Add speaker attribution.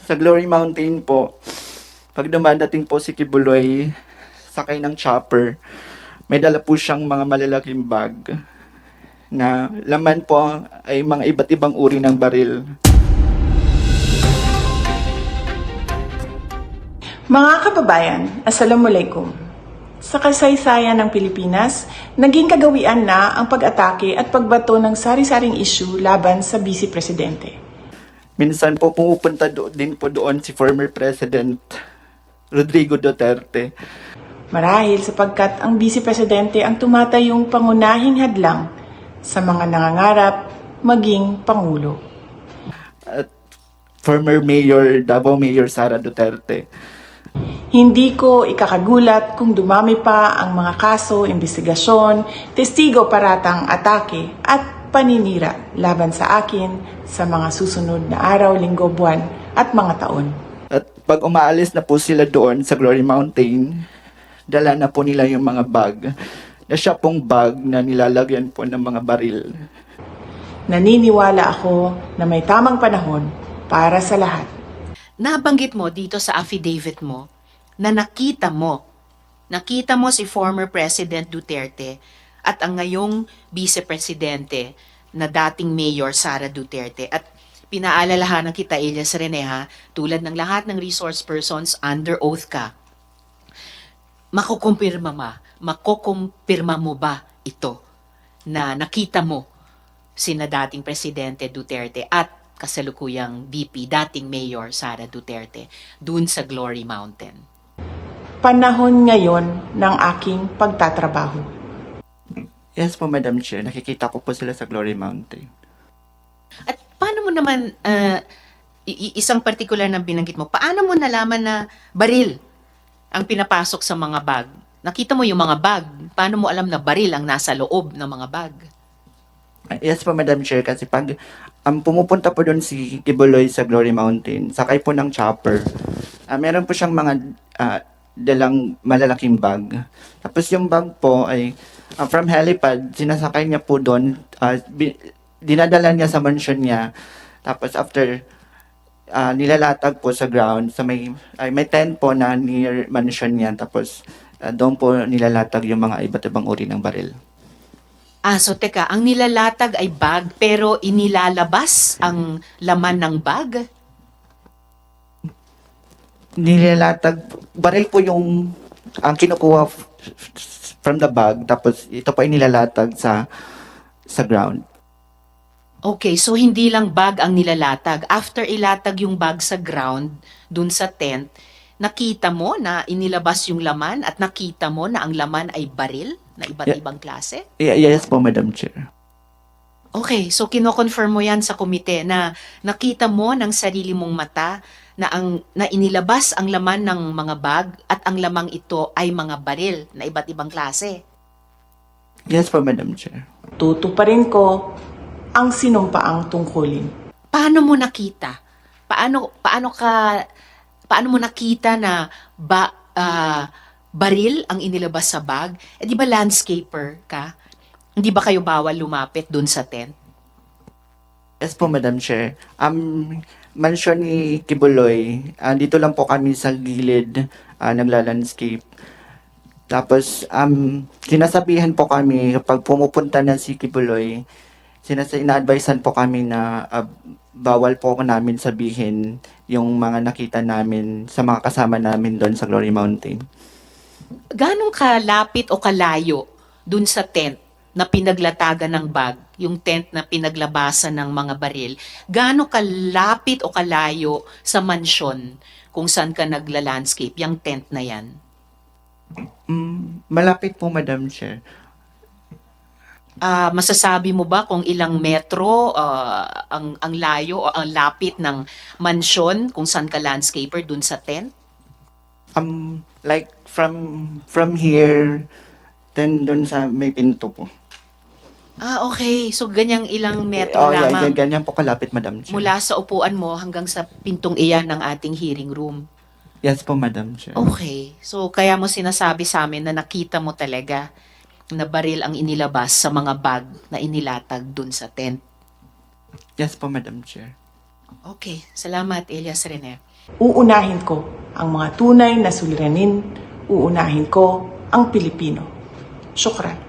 Speaker 1: Sa Glory Mountain po, pag dumadating po si Kibuloy, sakay ng chopper, may dala po siyang mga malalaking bag na laman po ay mga iba't ibang uri ng baril.
Speaker 2: Mga kababayan, Assalamualaikum. Sa kasaysayan ng Pilipinas, naging kagawian na ang pag-atake at pagbato ng sari-saring issue laban sa Vice Presidente.
Speaker 1: Minsan po pumupunta din po doon si former President Rodrigo Duterte.
Speaker 2: Marahil sapagkat ang Vice Presidente ang tumatayong pangunahing hadlang sa mga nangangarap maging Pangulo.
Speaker 1: At former Mayor, Davao Mayor Sara Duterte.
Speaker 2: Hindi ko ikakagulat kung dumami pa ang mga kaso, investigasyon, testigo paratang atake at paninira laban sa akin sa mga susunod na araw, linggo, buwan at mga taon.
Speaker 1: At pag umaalis na po sila doon sa Glory Mountain, dala na po nila yung mga bag. Na siya pong bag na nilalagyan po ng mga baril.
Speaker 2: Naniniwala ako na may tamang panahon para sa lahat.
Speaker 3: Nabanggit mo dito sa affidavit mo na nakita mo si former President Duterte at ang ngayong Vice Presidente na dating Mayor Sara Duterte. At pinaalalahanan kita, Elias Reneha, tulad ng lahat ng resource persons, under oath ka. Makukumpirma mo ba ito na nakita mo sina dating Presidente Duterte at kasalukuyang VP, dating Mayor Sara Duterte, dun sa Glory Mountain?
Speaker 2: Panahon ngayon ng aking pagtatrabaho.
Speaker 1: Yes po, Madam Chair. Nakikita ko po sila sa Glory Mountain.
Speaker 3: At paano mo naman, isang particular na binanggit mo, paano mo nalaman na baril ang pinapasok sa mga bag? Nakita mo yung mga bag, paano mo alam na baril ang nasa loob ng mga bag?
Speaker 1: Yes po, Madam Chair. Kasi pag pumupunta po doon si Kibuloy sa Glory Mountain, sakay po ng chopper, meron po siyang mga dalang malalaking bag. Tapos yung bag po ay from helipad, sinasakay niya po doon, dinadala niya sa mansion niya. Tapos after nilalatag po sa ground, sa may tent po na near mansion niya. Tapos doon po nilalatag yung mga iba't ibang uri ng baril.
Speaker 3: So teka, ang nilalatag ay bag pero inilalabas ang laman ng bag?
Speaker 1: Nilalatag, baril po yung ang kinukuha from the bag, tapos ito pa inilalatag sa ground.
Speaker 3: Okay, so hindi lang bag ang nilalatag. After ilatag yung bag sa ground, dun sa tent, nakita mo na inilabas yung laman at nakita mo na ang laman ay baril na iba't ibang klase?
Speaker 1: Yes po, Madam Chair.
Speaker 3: Okay, so kino-confirm mo yan sa komite na nakita mo ng sarili mong mata na inilabas ang laman ng mga bag at ang lamang ito ay mga baril na iba't ibang klase.
Speaker 1: Yes po, Madam Chair.
Speaker 2: Tutuparin ko ang sinumpaang tungkulin.
Speaker 3: Paano mo nakita? Paano mo nakita na baril ang inilabas sa bag? Di ba landscaper ka? Hindi ba kayo bawal lumapit dun sa tent?
Speaker 1: Yes po, Madam Chair. Mansion ni Kibuloy, dito lang po kami sa gilid, nagla-landscape. Tapos, sinasabihan po kami, kapag pumupunta na si Kibuloy, ina-advisean po kami na bawal po namin sabihin yung mga nakita namin sa mga kasama namin doon sa Glory Mountain.
Speaker 3: Ganong kalapit o kalayo dun sa tent na pinaglatagan ng bag, yung tent na pinaglabasan ng mga baril, gaano kalapit o kalayo sa mansyon kung saan ka nagla-landscape, yung tent na yan?
Speaker 1: Malapit po, Madam Chair.
Speaker 3: Masasabi mo ba kung ilang metro ang layo o ang lapit ng mansyon kung saan ka landscaper dun sa tent?
Speaker 1: Like from here, then doon sa may pinto po.
Speaker 3: Okay. So, ganyang ilang metro lamang
Speaker 1: Ganyan po kalapit, Madam Chair.
Speaker 3: mula sa upuan mo hanggang sa pintong iyan ng ating hearing room.
Speaker 1: Yes po, Madam Chair.
Speaker 3: Okay. So, kaya mo sinasabi sa amin na nakita mo talaga na baril ang inilabas sa mga bag na inilatag dun sa tent.
Speaker 1: Yes po, Madam Chair.
Speaker 3: Okay, salamat Elias Rene.
Speaker 2: Uunahin ko ang mga tunay na suliranin, uunahin ko ang Pilipino. Syukran.